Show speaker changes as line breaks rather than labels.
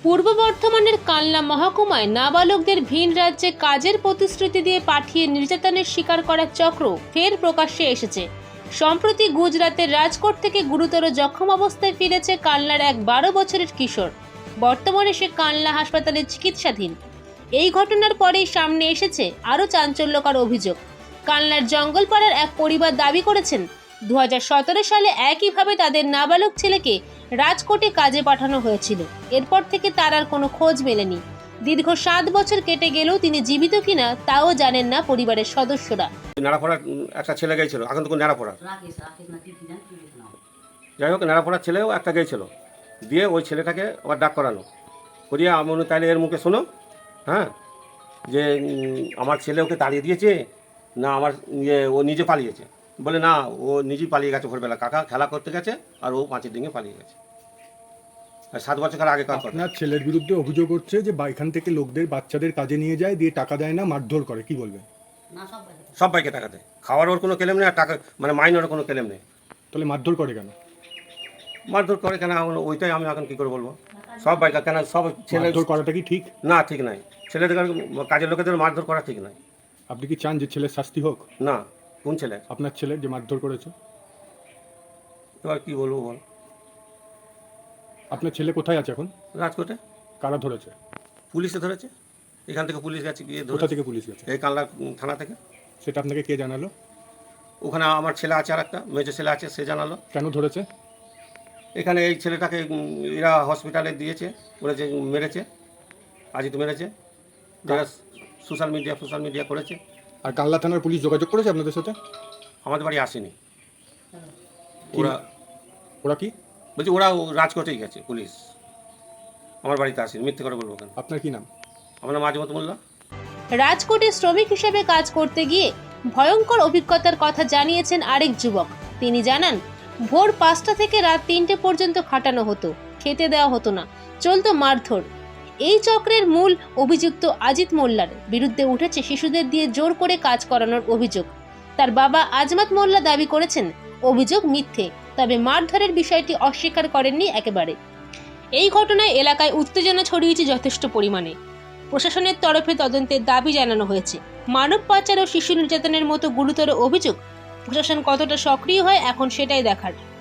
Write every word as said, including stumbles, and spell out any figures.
পূর্ব বর্ধমানের কালনা মহকুমায় নাবালকদের ভিন রাজ্যে কাজের প্রতিশ্রুতি দিয়ে পাঠিয়ে নির্যাতনের শিকার করার চক্র ফের প্রকাশ্যে এসেছে। সম্প্রতি গুজরাতের রাজকোট থেকে গুরুতর জখম অবস্থায় ফিরেছে কালনার এক বারো বছরের কিশোর। বর্তমানে সে কালনা হাসপাতালে চিকিৎসাধীন। এই ঘটনার পরেই সামনে এসেছে আরও চাঞ্চল্যকর অভিযোগ। কালনার জঙ্গলপাড়ার এক পরিবার দাবি করেছেন দু হাজার সতেরো সালে একইভাবে তাদের নাবালক ছেলেকে রাজকোটে কাজে পাঠানো হয়েছিল। এরপর থেকে তার আর কোনো খোঁজ মেলেনি। দীর্ঘ সাত বছর কেটে গেলেও তিনি জীবিত কিনা তাও জানেন না পরিবারের সদস্যরা।
নাড়াপড়ার একটা ছেলে গেছিল, এখন তো নাড়াপড়া, যাই হোক নাড়াপড়ার ছেলেও একটা গেছিল, দিয়ে ওই ছেলেটাকে আবার ডাক করানো করিয়ে আমি তাহলে এর মুখে শোনো, হ্যাঁ, যে আমার ছেলে ওকে তাড়িয়ে দিয়েছে না আমার ইয়ে ও নিজে পালিয়েছে। বলে না, ও নিজেই পালিয়ে গেছে ভোরবেলা, কাকা খেলা করতে গেছে আর ও পাঁচের দিকে পালিয়ে গেছে। আর সাত বছর আগে কাজ করে।
আপনার ছেলের বিরুদ্ধে অভিযোগ হচ্ছে যে এখান থেকে লোকদের বাচ্চাদের কাজে নিয়ে যায়, দিয়ে টাকা দেয় না, মারধর করে, কি বলবেন?
সব বাইকে টাকা দেয়, খাওয়ার ওর কোনো ক্লেম নেই, আর টাকা মানে মাইনের কোনো ক্লেম নেই।
তাহলে মারধর করে কেন?
মারধর করে কেন ওইটাই আমি এখন কী করে বলবো। সব বাইক কেন সব ছেলে
মারধর করাটা কি ঠিক?
না, ঠিক নাই। ছেলেদের কাজের লোকেদের মারধর করা ঠিক নাই।
আপনি কি চান যে ছেলের শাস্তি হোক?
না। কোন ছেলে?
আপনার ছেলে যে মারধর করেছে।
এবার কি বলবো বল।
আপনার ছেলে কোথায় আছে এখন?
রাজকোটে।
কারা ধরেছে?
পুলিশে ধরেছে, এখান থেকে পুলিশ গেছে গিয়ে।
কোথা থেকে পুলিশ গেছে?
এই কালনা থানা থেকে।
সেটা আপনাকে কে জানালো?
ওখানে আমার ছেলে আছে, আর একটা মেজো ছেলে আছে, সে জানালো।
কেন ধরেছে?
এখানে এই ছেলেটাকে এরা হসপিটালে দিয়েছে, বলেছে মেরেছে, আজই তো মেরেছে, যারা সোশ্যাল মিডিয়া সোশ্যাল মিডিয়া করেছে।
আর কালনা থানার পুলিশ যোগাযোগ করেছে আপনাদের সাথে?
আমাদের বাড়ি আসেনি ওরা।
ওরা কি
বলছি ওরা রাজকোটেই গেছে পুলিশ, আমার বাড়িতে আসেনি। মিথ্যে করে বলবো কেন?
আপনার কি নাম?
আমার নাম আজিমত মোল্লা।
রাজকোটে শ্রমিক হিসেবে কাজ করতে গিয়ে ভয়ঙ্কর অভিজ্ঞতার কথা জানিয়েছেন আরেক যুবক। তিনি জানান, ভোর পাঁচটা থেকে রাত তিনটে পর্যন্ত খাটানো হতো, খেতে দেওয়া হতো না, চলতো মারধর। এই চক্রের মূল অভিযুক্ত আজিত মোল্লার বিরুদ্ধে উঠেছে শিশুদের দিয়ে জোর করে কাজ করানোর অভিযোগ। তার বাবা আজমাত মোল্লা দাবি করেছেন অভিযোগ মিথ্যে, তবে মারধরের বিষয়টি অস্বীকার করেননি একেবারে। এই ঘটনায় এলাকায় উত্তেজনা ছড়িয়েছে যথেষ্ট পরিমাণে। প্রশাসনের তরফে তদন্তের দাবি জানানো হয়েছে। মানব পাচার ও শিশু নির্যাতনের মতো গুরুতর অভিযোগ প্রশাসন কতটা সক্রিয় হয় এখন সেটাই দেখার।